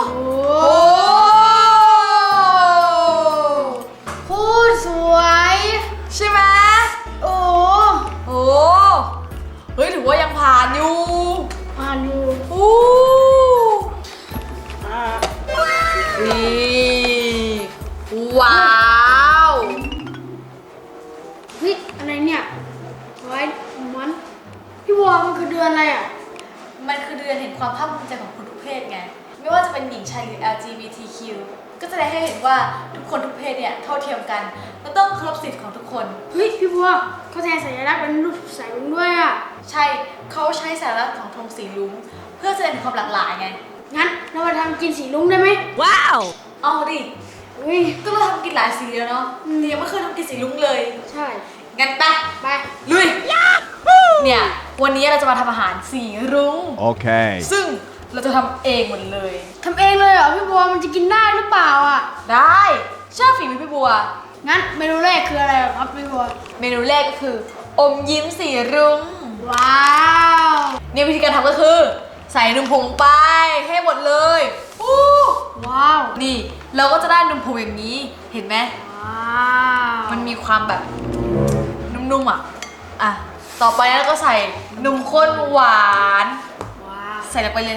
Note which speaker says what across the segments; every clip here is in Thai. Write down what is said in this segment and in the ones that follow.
Speaker 1: โอ้โคตรสวยใช่ไหมโอ้เฮ้ยถือว่ายังผ่านอยู่นี่ว้าว
Speaker 2: เฮ้ยอะไรเนี่ยไว้มันพี่วอมันคือเดือนอะไรอ่ะ
Speaker 1: มันคือเดือนแห่งความภาคภูมิใจของคนทุกเพศไงไม่ว่าจะเป็นหญิงชายหรือ LGBTQ ก็จะได้ให้เห็นว่าทุกคนทุกเพศเนี่ยเท่าเทียมกันและต้องเคารพสิทธิของทุกคน
Speaker 2: เฮ้ยพี่บัวเขาแทนสัญลักษณ์เป็นรูปสายรุ้งด้วยอ่ะ
Speaker 1: ใช่เขาใช้สัญลักษณ์ของธงสีรุ้งเพื่อแสดงความหลากหลายไง
Speaker 2: งั้นเรามาทำกินสีรุ้งได้ไหม
Speaker 1: ว้าวเอาดิ
Speaker 2: เฮ้ย
Speaker 1: ก็เราทำกินหลายสีแล้วเนาะแต่ยังไม่เคยทำกินสีรุ้งเลย
Speaker 2: ใช่
Speaker 1: งั้นไปลุยเนี่ยวันนี้เราจะมาทำอาหารสีรุ้ง
Speaker 3: โอเค
Speaker 1: ซึ่งเราจะทำเองหมดเลย
Speaker 2: ทำเองเลยเหรอพี่บัวมันจะกินได้หรือเปล่าอ่ะ
Speaker 1: ได้ชอบฝีมือพี่บัว
Speaker 2: งั้นเมนูแรกคืออะไรครับพี่บัว
Speaker 1: เมนูแรกก็คืออมยิ้มสีรุ้ง
Speaker 2: ว้าว
Speaker 1: เนี่ยวิธีการทำก็คือใส่นมผงไปให้หมดเลย
Speaker 2: ว้าว
Speaker 1: นี่เราก็จะได้นมผงอย่างนี้เห็นไหม
Speaker 2: ว้าว
Speaker 1: มันมีความแบบนุ่มๆอ่ะต่อไปแล้วก็ใส่นมข้นหวาน
Speaker 2: ว้าว
Speaker 1: ใส่ลงไปเลย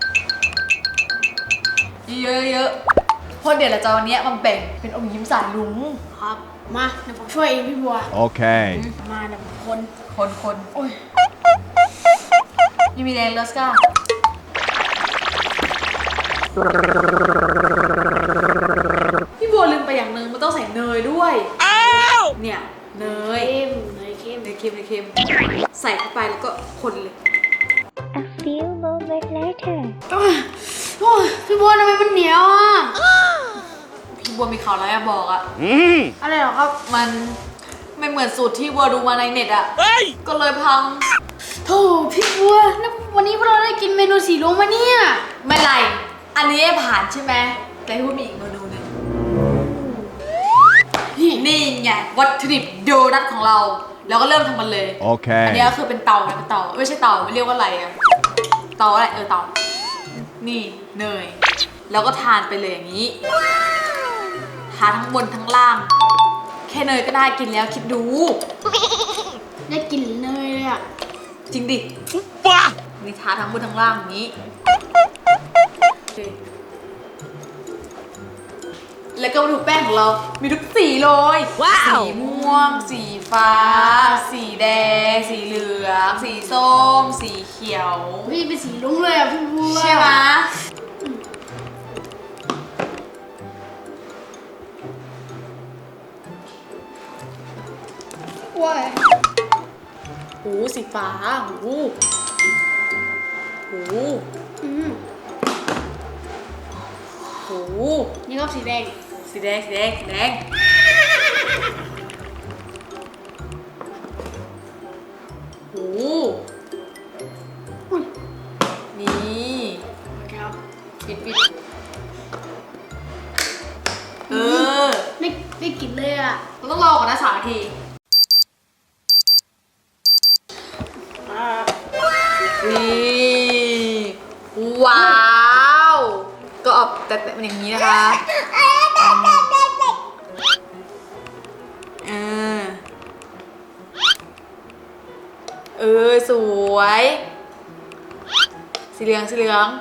Speaker 1: เยอะๆเพราะเดี๋ยวเราจะวันนี้มันแบ่งเป็นอมยิ้มสายรุ้ง
Speaker 2: ครับมาเดี๋ยวผมช่วยเองพี่บัว
Speaker 3: โอเค
Speaker 2: มาเดี๋ยวผม
Speaker 1: คนโอ้ยยังมีแรงเลสก้าพี่บัวลืมไปอย่างนึงมันต้องใส่เนยด้วยเนี่ยเนยเค็มใส่เข้าไปแล้วก็คนเลย
Speaker 4: A few moments later
Speaker 2: โอ้ยพี่บัวทำไมมันเหนียวอ่ะ
Speaker 1: พี่บัวมีข่าวอะไรจะบอก
Speaker 2: อะไรเหรอครับ
Speaker 1: มันไม่เหมือนสูตรที่บัวดูมาในเน็ตก็เลยพัง
Speaker 2: โธ่พี่บัววันนี้พวกเราได้กินเมนูสีรุ้งมาเนี่ย
Speaker 1: ไม่ไรอันนี้ผ่านใช่ไหมแต่พี่บัวมีอีกเมนูหนึ่งนี่ไงวัตถุดิบโดนัทของเราแล้วก็เริ่มทำมันเลย
Speaker 3: โอเค
Speaker 1: อันนี้ก็คือเป็นเตาไม่ใช่เตาไม่เรียกว่าอะไรอะเตาอะไรเตานี่เนยแล้วก็ทานไปเลยอย่างนี้ทาทั้งบนทั้งล่างแค่เนยก็ได้กินแล้วคิดดู
Speaker 2: ได้กินเนยเลยอะ
Speaker 1: จริงดิว้านี่ทาทั้งบนทั้งล่างอย่างนี้แล้วก็มาดูแป้งของเรามีทุกสีเลยสีม่วงสีฟ้าสีแดงสีเหลืองสีส้มสีเขียว
Speaker 2: พี่เป็นสีรุ้งเลยอะพี่บัว
Speaker 1: ใช่ไหม
Speaker 2: ว้าย
Speaker 1: หูสีฟ้าหู
Speaker 2: นี่ก็สีแดง
Speaker 1: หูนี่
Speaker 2: ครับ
Speaker 1: ปิด
Speaker 2: ได้กลิ่นเลยอ่ะ
Speaker 1: เราต้องรอก่อนนะ3 นาทีนี่ว้าวก็ออกแต่เป็นอย่างนี้นะคะสวยสีเหลืองสี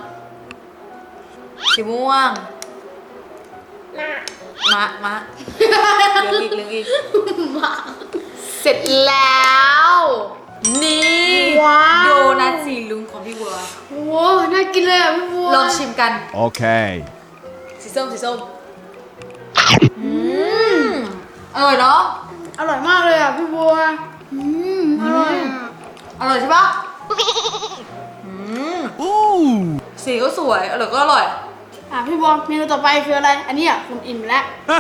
Speaker 1: ม่วงมะเหลืองอีกเสร็จแล้วนี่โดนัทสีรุ้งของพี่บัว
Speaker 2: โอ้น่ากินเลยอ่ะพี่บัว
Speaker 1: ลองชิมกัน
Speaker 3: โอเค
Speaker 1: สีส้มอร่อยเนาะ
Speaker 2: อร่อยมากเลยอ่ะพี่บัว
Speaker 1: อร่อยใช่ปะสีก็สวยอร่อยก็อร่อย
Speaker 2: พี่บัวเมนูต่อไปคืออะไรอันนี้อ่ะคุณอิ่มแล้ว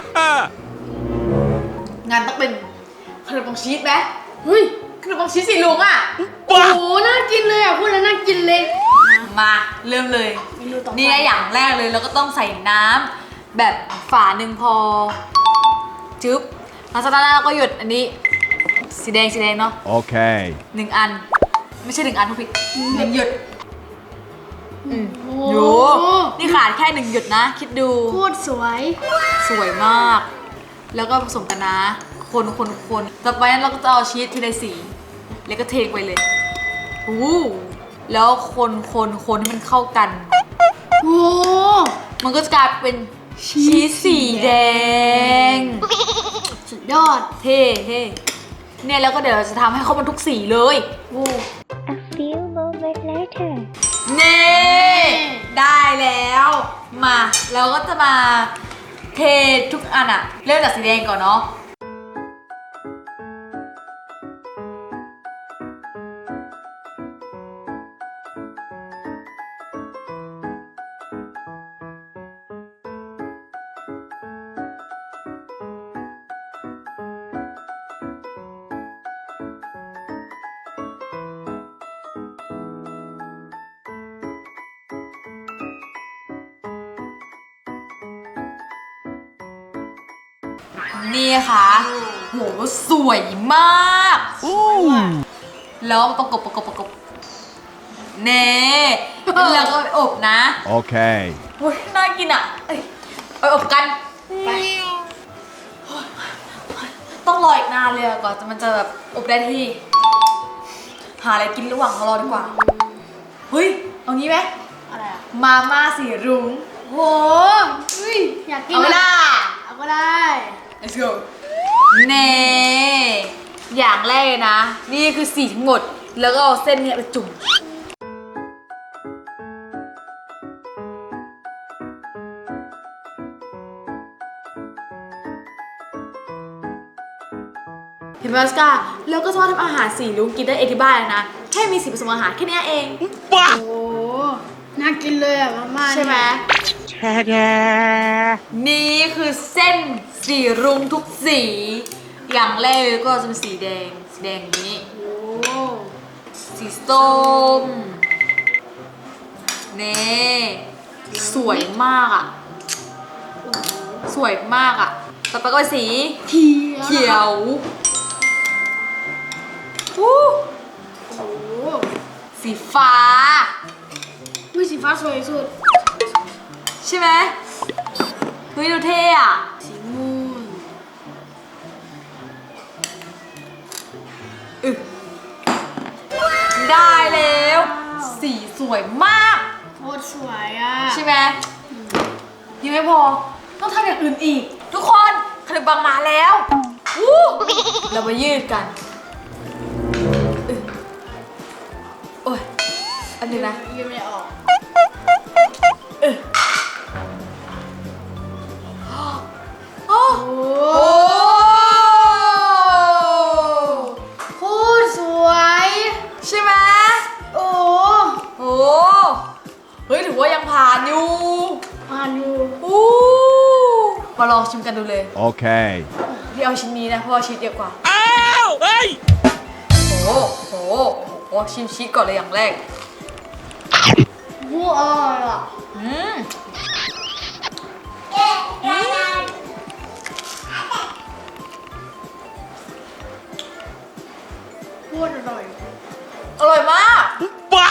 Speaker 1: งานต้องเป็นขนมปังชีสไหม
Speaker 2: เฮ้ย
Speaker 1: ขนมปังชีสสีรุ้งอ่ะ
Speaker 2: โอ้โหน่ากินเลยอ่ะพูดแล้วน่ากินเลย
Speaker 1: มาเริ่มเลยนี่อย่างแรกเลยเราก็ต้องใส่น้ำแบบฝาหนึ่งพอจึ๊บแล้วจากนั้นเราก็หยดอันนี้สีแดงเนาะ
Speaker 3: โอเค
Speaker 1: 1 อันไม่ใช่1 อันทุกผิด1 หยด
Speaker 2: โอ้
Speaker 1: โยนี่ขาดแค่1 หยดนะ คิดดู
Speaker 2: โคตรสวย
Speaker 1: สวยมาก แล้วก็ผสมกันนะ คนต่อไปนั้นเราก็จะเอาชีสทีละสี แล้วก็เทไปเลยแล้วคนให้มันเข้ากัน
Speaker 2: โอ้
Speaker 1: มันก็จะกลายเป็นชีสสีแดง
Speaker 2: สุดยอด
Speaker 1: เท่เนี่ยแล้วก็เดี๋ยวเราจะทำให้เขามันทุกสีเลย
Speaker 2: โอ้
Speaker 4: A few moments later.
Speaker 1: เน่ได้แล้ว มาเราก็จะมาเททุกอันอะเริ่มจากสีแดงก่อนเนาะนี่ค่ะโหสวยมากแล้วประกบเน่แล้วก็อบนะ
Speaker 3: Okay.
Speaker 1: โอ้ยน่ากินอ่ะไปอบกันไปต้องรออีกนานเลยก่อนมันจะแบบอบได้ที่ หาอะไรกินระหว่างรอดีกว่าเฮ้ยเอางี้ไหม
Speaker 2: อะไรอ่ะ
Speaker 1: มาม่าสีรุ้ง
Speaker 2: โหอุ้ยอยากกิน
Speaker 1: เอาไปละ
Speaker 2: เอาก็ได้
Speaker 1: Let's go เน่อย่างแรกเลยนะ นี่คือสีทั้งหมด แล้วก็เอาเส้นเนี้ยไปจุ่มเห็นไหมสกาแล้วก็สามารถทำอาหารสีรุ้งกินได้เองที่บ้านเลยนะ แค่มีสีผสมอาหารแค่นี้เอง
Speaker 2: โอ้น่ากินเลยอ่ะมาม่า
Speaker 1: ใช่ไหม นี่คือเส้นสีรุ้งทุกสี อย่างแรกก็จะเป็นสีแดงอย่างนี้
Speaker 2: โอ้
Speaker 1: สีส้มเน่สวยมากอ่ะ สวยมากอ่ะ ต่อไปก็เป็นสีเขียววู้
Speaker 2: โอ้
Speaker 1: สีฟ้า
Speaker 2: อุ้ยสีฟ้าสวยสุด
Speaker 1: ใช่ไหมเฮ้ยดูเท่อะ
Speaker 2: สีม่วง
Speaker 1: ได้แล้ว สีสวยมาก
Speaker 2: โคตรสวยอ่ะ
Speaker 1: ใช่ไหมยังไม่พอ ต้องทำอย่างอื่นอีก ทุกคนขนมปังมาแล้ววู้เรามายืดกันโอ้ยอันนี้นะ
Speaker 2: ยืนไม่ออก
Speaker 1: โอ้
Speaker 2: โอ้
Speaker 1: โห
Speaker 2: โคตรสวย
Speaker 1: ใช่ไหม
Speaker 2: โอ้
Speaker 1: โอ้เฮ้ยถือว่ายังผ่านอยู่
Speaker 2: ผ่านอยู่
Speaker 1: อู้มาลองชิมกันดูเลย
Speaker 3: Okay.
Speaker 1: พี่เอาชิ้นนี้นะเพราะว่าชีสเยอะกว่า
Speaker 3: Ow! Hey!
Speaker 1: โอ้โหชิมชีสก่อนเลยอย่างแรก
Speaker 2: วู้อร่อยอ่ะ
Speaker 1: อืม
Speaker 2: โคตรอร่อย
Speaker 1: อร่อยมาก
Speaker 3: Bah!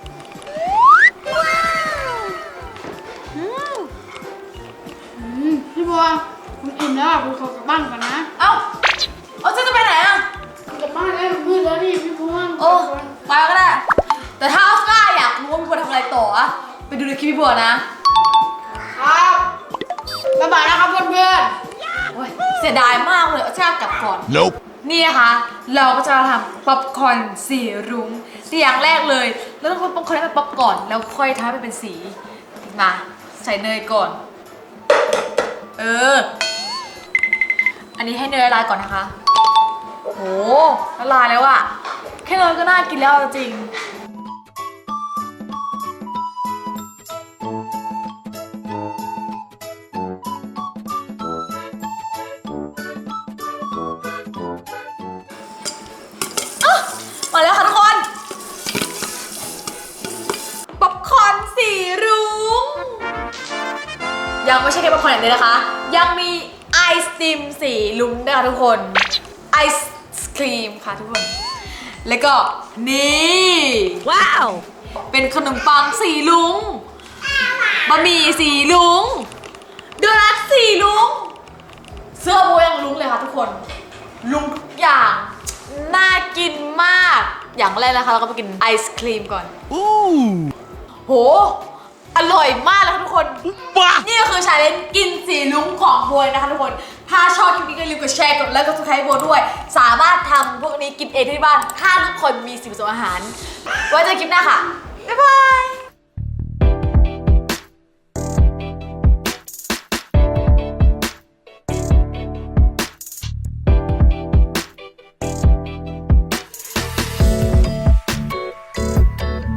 Speaker 2: พี่บัวผมอิ่มแล้วอ่ะผมขอกลับบ้านก่อนนะ
Speaker 1: เอ้าเจ๊จะไปไหนอ่ะ
Speaker 2: กลับบ้านแล้วมันมืดแล้วนี่พี่บัว
Speaker 1: โอ้ไปก็ได้ แต่ถ้าออสการ์อยากรู้ว่าพี่บัวทำอะไรต่ออะไปดูในคลิปพี่บัวนะครับ
Speaker 2: บ๊ายบายนะครับเพื่อน
Speaker 1: โอ้ยเสียดายมากเลยออสการ์กลับก่อน
Speaker 3: Nope.
Speaker 1: นี่นะคะเราก็จะทำป๊อปคอร์นสีรุ้งที่อย่างแรกเลยเราต้องทำป๊อปคอร์นให้มันป๊อปก่อนแล้วค่อยทำให้มันเป็นสีมาใส่เนยก่อนอันนี้ให้เนยละลายก่อนนะคะโหละลายแล้วอะแค่เนยก็น่ากินแล้วจริงมาแล้วค่ะทุกคนป๊อปคอร์นสีรุ้งยังไม่ใช่แค่ป๊อปคอร์นอย่างเดียวนะคะยังมีไอศครีมสีรุ้งด้วยค่ะทุกคนไอศครีมค่ะทุกคนแล้วก็นี่ว้าวเป็นขนมปังสีรุ้งบะหมี่สีลุงโดนัทสีลุงเสื้อโบยังลุงเลยค่ะทุกคนลุงทุกอย่างน่ากินมากอย่างแรกนะคะเราก็ไปกินไอศครีมก่อนโหอร่อยมากเลยค่ะทุกคนนี่ก็คือชาเลนจ์กินสีลุงของโบยนะคะทุกคนถ้าชอบคลิปนี้ก็อย่าลืมกดแชร์กดไลค์กดซับสไครต์โบด้วยสามารถทำพวกนี้กินเองที่บ้านถ้าทุกคนมีสิ่งผสมอาหารไว้เจอคลิปหน้าค่ะบ๊ายบาย